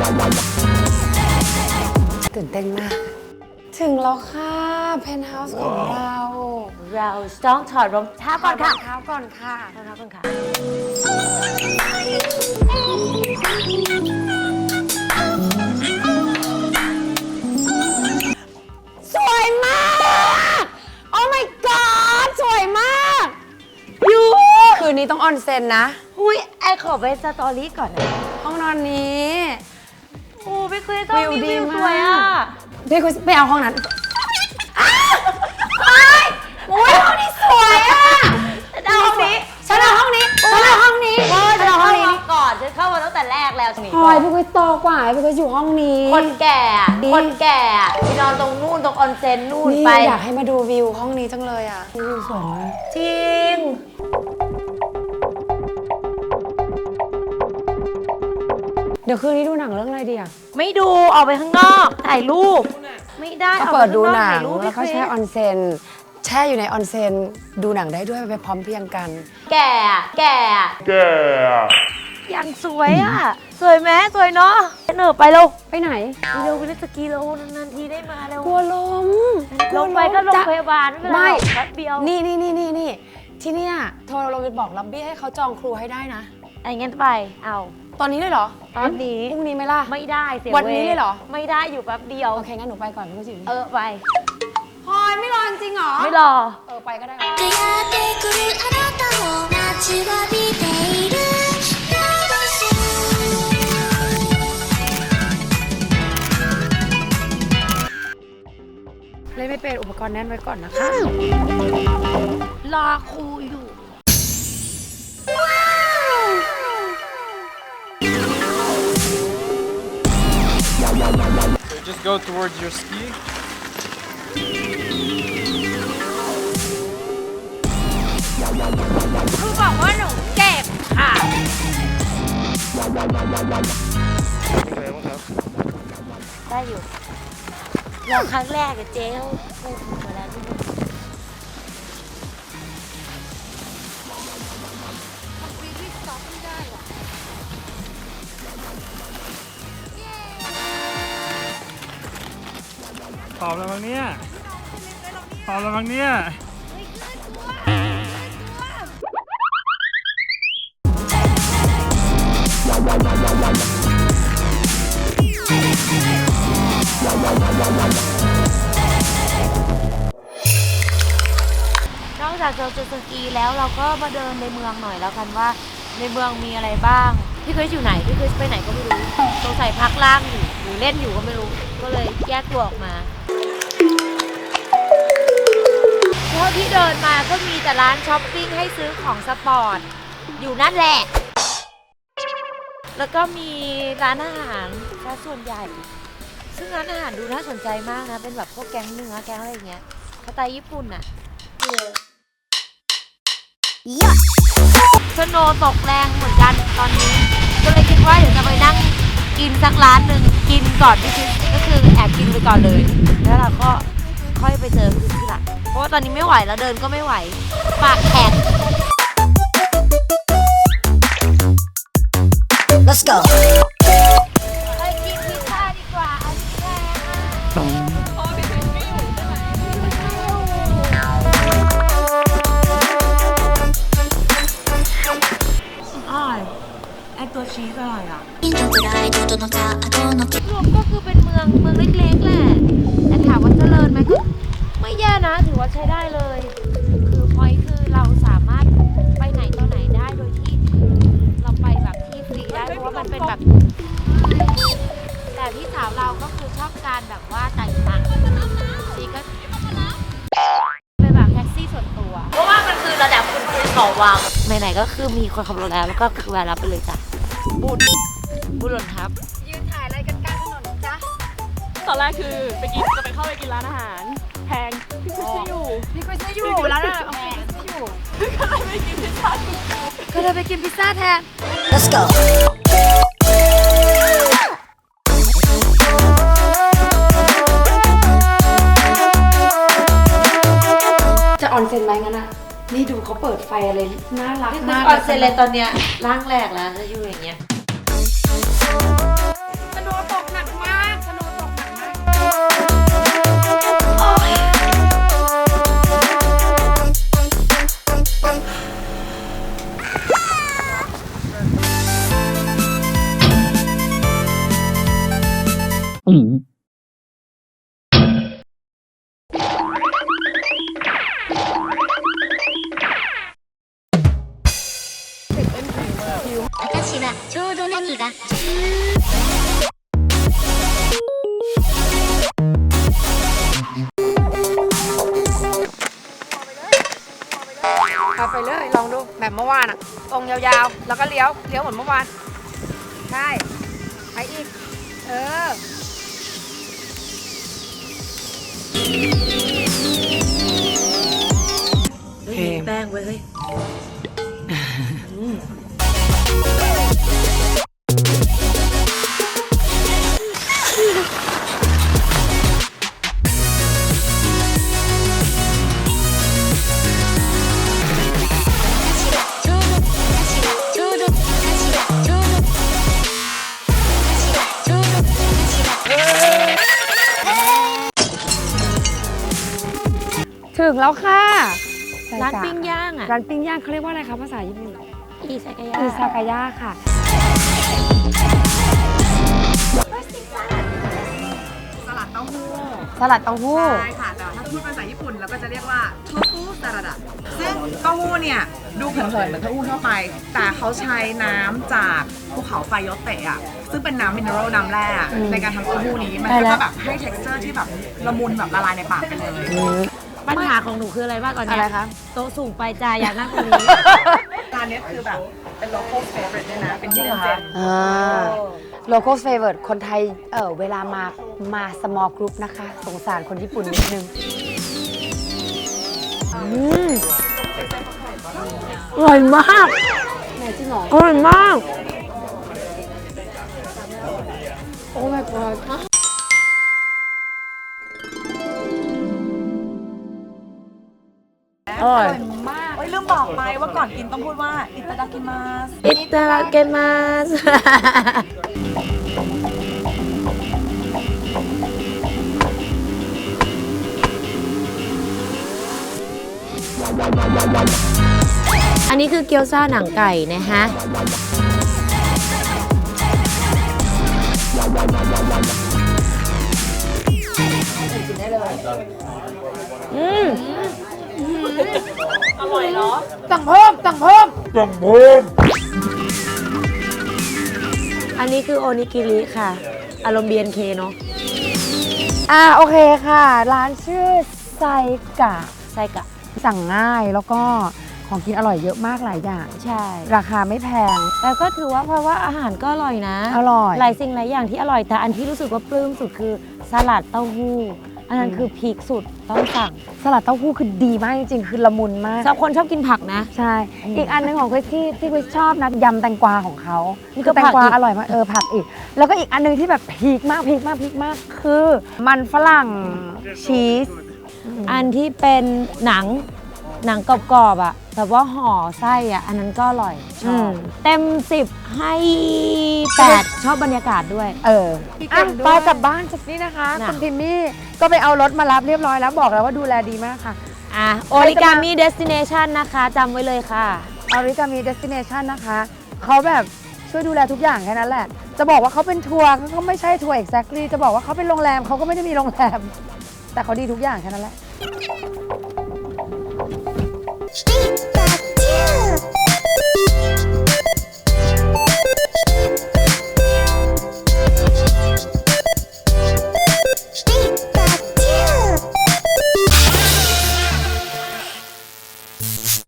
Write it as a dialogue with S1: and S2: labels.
S1: ตื่นเต้นมากถึงแล้วค่ะเพนท์เฮาส์ของเรา
S2: ต้องถอดรองเท้าก่อนค่ะ
S1: รองเท้าก่อนค่ะ
S2: รองเท้าก่อนค่ะ
S1: สวยมาก โอ้ my god สวยมากยูคืนนี้ต้องออนเซ็นนะ
S2: อุ้ยไอขอไปสตอรี่ก่อนนะ
S1: ห้องนอนนี้
S2: โอ้พี่คุยต้องมีวิวสวยอ่ะ
S1: พี่คุยไปเอาห้องนั้นโอ้ยห้องนี้สวยอ่ะ
S2: เอาห้องนี้
S1: ฉันเอาห้องนี้ฉันเอาห้องนี้
S2: ฉันเอาห้องนี้ก่อนฉันเข้ามาตั้งแต่แรกแล้วนี่
S1: พลอยพี่คุยโตกว่าพี่คุยอยู่ห้องนี้
S2: คนแก่คนแก่ไปนอนตรงนู่นตรงออนเซ็นนู่น
S1: นี่
S2: ไป
S1: อยากให้มาดูวิวห้องนี้จังเลยอ่ะวิวสวยมาก
S2: จริง
S1: เดี๋ยวคืนนี้ดูหนังเรื่องอะไรดีอ่ะ
S2: ไม่ดูออกไปข้างนอกถ่ายรูปไม่ได้
S1: ก็
S2: ออก
S1: เปิ
S2: ไป
S1: ดดู
S2: ข้างนอก
S1: หนั
S2: ถ่าง ยรูป
S1: แล้วก็
S2: พี่
S1: แช่ออนเซ็นแช่อยู่ในออนเซ็นดูหนังได้ด้วยไปพร้อมเพรียงกัน
S2: แก่ยังสวยอ่ะสวยไหมสวยเนาะเหนือไปเร็ว
S1: ไปไหน
S2: เร็วไปเล่นสกีเร็วนานๆทีได้มาเร็ว
S1: กลัวลม
S2: ลงไปก็ลง
S1: จะ
S2: พยาบาลไม่เป็นไร
S1: ไม่
S2: หรอกแป๊บเดียว
S1: นี่ที่เนี่ยโทรเราไปบอกลับบี้ให้เขาจองครูให้ได้นะ
S2: ไอ้งั้นไปเอา
S1: ตอนนี้เลยเหรอ
S2: ตอนนี้
S1: พรุ่งนี้ไหมล่ะ
S2: ไม่ได้เสีย
S1: วันนี้เลยเหรอ
S2: ไม่ได้อยู่แป๊บเดียว
S1: โอเคงั้นหนูไปก่อนพี่จิ๋ว
S2: ไป
S1: พลอยไม่รอจริงเหรอ
S2: ไม่รอ
S1: ไปก็ได้เลยไม่เป็นอุปกรณ์แน่นไว้ก่อนนะคะ
S2: รอครูอยู่
S3: So just go towards your ski.
S2: ครูบอกว่าหนูเจ็บค่ะ ได้อยู่เราครั้งแรกกับเจ๊เขาพูดมาแล้วนี่
S3: พร้อมแล้วมั้งเนี่ยพร้อมแล้วมั้งเนี่ย
S2: นอกจากจะสกีแล้วเราก็มาเดินในเมืองหน่อยแล้วกันว่าในเมืองมีอะไรบ้าง พี่คริสอยู่ไหนพี่คริสไปไหนก็ไม่รู้สงสัยพักล่างอยู่หรือเล่นอยู่ก็ไม่รู้ ก็เลยแยกตัวออกมาเท่าที่เดินมาก็มีแต่ร้านช้อปปิ้งให้ซื้อของสปอร์ตอยู่นั่นแหละ แล้วก็มีร้านอาหารซะส่วนใหญ่ซึ่งร้านอาหารดูน่าสนใจมากนะเป็นแบบพวกแกงเนื้อแกงอะไรอย่างเงี้ยสไตล์ญี่ปุ่นอะสโนว์ตกแรงเหมือนกันตอนนี้ก็เลยคิดว่าเดี๋ยวจะไปนั่งกินสักร้านหนึ่งกินก่อนที่คิดก็คือแอบกินไปก่อนเลยแล้วเราก็ค่อยไปเจอคือที่หลังเพราะว่าตอนนี้ไม่ไหวแล้วเดินก็ไม่ไหวปากแข็ง
S4: Let's go.
S2: ไปกินพิซซ่าดีกว่าอันนี้แพงอร่อยไอตัวชีสอร่อยอ่ะรวมก็คือเป็นเมืองเล็กๆแหละแต่ถามว่าเจริญไหมก็ไม่แย่นะถือว่าใช้ได้เลยคือพอยคือเราสามารถไปไหนต่อไหนได้โดยที่เราไปแบบที่ฟรีได้เพราะว่ามันเป็นแบบแต่พี่สาวเราก็คือชอบการแบบว่าจ่ายตังค์ชีก็เป็นแบบแท็กซี่ส่วนตัวเพราะว่ามันคือระดับคุณคือต่อวังไหนๆก็คือมีคนขับรถแล้วก็คือแวะรับไปเลยจ้ะบุญหล่นทับ
S1: ยืนถ่ายอะไรกันกลางถนนจ๊ะ
S5: ตอนแรกคือจะไปเข้าไปกินร้านอาหารแพงพี่คุยไม่อยู่
S1: พี่คุยไม่อยู่แล้วนะโอเคไม่อยู่
S5: ก็เลยไปกินพิซซ่า
S1: ก็เลยไปกินพิซซ่าแทน
S4: Let's go.
S1: จะออนเซ็นไหมงั้นอ่ะ นี่ดูเขาเปิดไฟอะไรน่ารัก
S2: นี่คือ
S1: มาก
S2: ออนเซ็นเลยตอนเนี้ยร่างแรกแล้วจะอยู่อย่างเงี้ย
S1: สโนว์เอาไปเลยลองดูแบบเมื่อวานอะตรงยาวๆ แล้วก็เลี้ยวเหมือนเมื่อวาน ใช่ไปอีก
S2: แป้งเว้ยเฮ้ย
S1: ถึงแล้วค่ะ
S2: ร้านปิ้งย่างอ่ะ
S1: ร้านปิ้งย่างเขาเรียกว่าอะไรคะภาษาญี่ปุ่น
S2: อีซากายะ
S1: อิซากายะค่ะ
S4: สลัดเต้าหู้
S1: สลัดเต้าหู้
S4: ใช่ค่ะ แต่ถ้าพูดภาษาญี่ปุ่นเราก็จะเรียกว่าโทฟูสลัดอะซึ่งเต้าหู้เนี่ย ดูเผินๆเหมือนเต้าหู้ทั่วไป แต่เขาใช้น้ำจากภูเขาไฟโยเตะอะซึ่งเป็นน้ำมินเนอรัลน้ำแร่อะในการทำเต้าหู้นี้ มันก็จะแบบให้ texture ที่แบบละมุนแบบละลายในปากไปเลย
S2: ปัญหาของหนูคืออะไรบ้างก่อน
S1: อะไร
S2: เนี่ย
S1: คะ
S2: โต๊ะสูงไปจ้าอยากนั่งตรงนี้
S4: ร้านเนี้ยคือแบบเป็น local favorite ด้วยนะ เป็นที่เด่น
S1: local favorite คนไทยเวลามา small group นะคะ สงสารคนญี่ปุ่นนิดนึงอร่อยมากไหนจริงหรออร่อยมาก โอ้ my god อร่อย
S4: มากเฮ้ยลืมบอกไปว่าก่อนกินต้องพูดว่าอิตาดากิมาส
S2: อิตาเกมาส อันนี้คือเกี๊ยวซ่าหนังไก่นะฮะ
S5: อร่อยเนาะ
S1: สั่งเพิ่ม
S2: อันนี้คือโอนิกิริค่ะ อารมณ์ BNK เนาะ
S1: โอเคค่ะ ร้านชื่อไซกะ
S2: ไส้กะ
S1: สั่งง่ายแล้วก็ของกินอร่อยเยอะมากหลายอย่าง
S2: ใช่
S1: ราคาไม่แพง
S2: แต่ก็ถือว่าเพราะว่าอาหารก็อร่อยนะ
S1: อร่อย
S2: หลายสิ่งหลายอย่างที่อร่อย แต่อันที่รู้สึกว่าปลื้มสุดคือสลัดเต้าหู้ อันนั้นคือพีคสุดต้องสั่ง
S1: สลัดเต้าหู้คือดีมากจริงๆ คือละมุนมาก
S2: สำหรับคนชอบกินผักนะ
S1: ใช่ อีกอันหนึงของคริสที่คริสชอบนะยำแตงกวาของเขา
S2: นี่ก็
S1: คือแตงกวา
S2: ผักอีก
S1: อร่อยมากผักอีก แล้วก็อีกอันหนึงที่แบบพีคมากคือมันฝรั่งชีส
S2: อันที่เป็นหนังกรอบๆอ่ะแบบว่าห่อไส้อ่ะอันนั้นก็อร่อยชอบ เต็ม 10 ให้ 8 ชอบบรรยากาศด้วย
S1: ไปกลับบ้านจากนี้นะคะ
S2: น่ะ
S1: คุณพิมมี่ก็ไปเอารถมารับเรียบร้อยแล้วบอกแล้วว่าดูแลดีมากค่ะ
S2: โอริกามิเดสติเนชันนะคะจำไว้เลยค่ะ
S1: Origami Destination นะคะเขาแบบช่วยดูแลทุกอย่างแค่นั้นแหละ จะบอกว่าเขาเป็นทัวร์เขาไม่ใช่ทัวร์ exactly จะบอกว่าเขาเป็นโรงแรมเขาก็ไม่ได้มีโรงแรม แต่เขาดีทุกอย่างแค่นั้นแหละ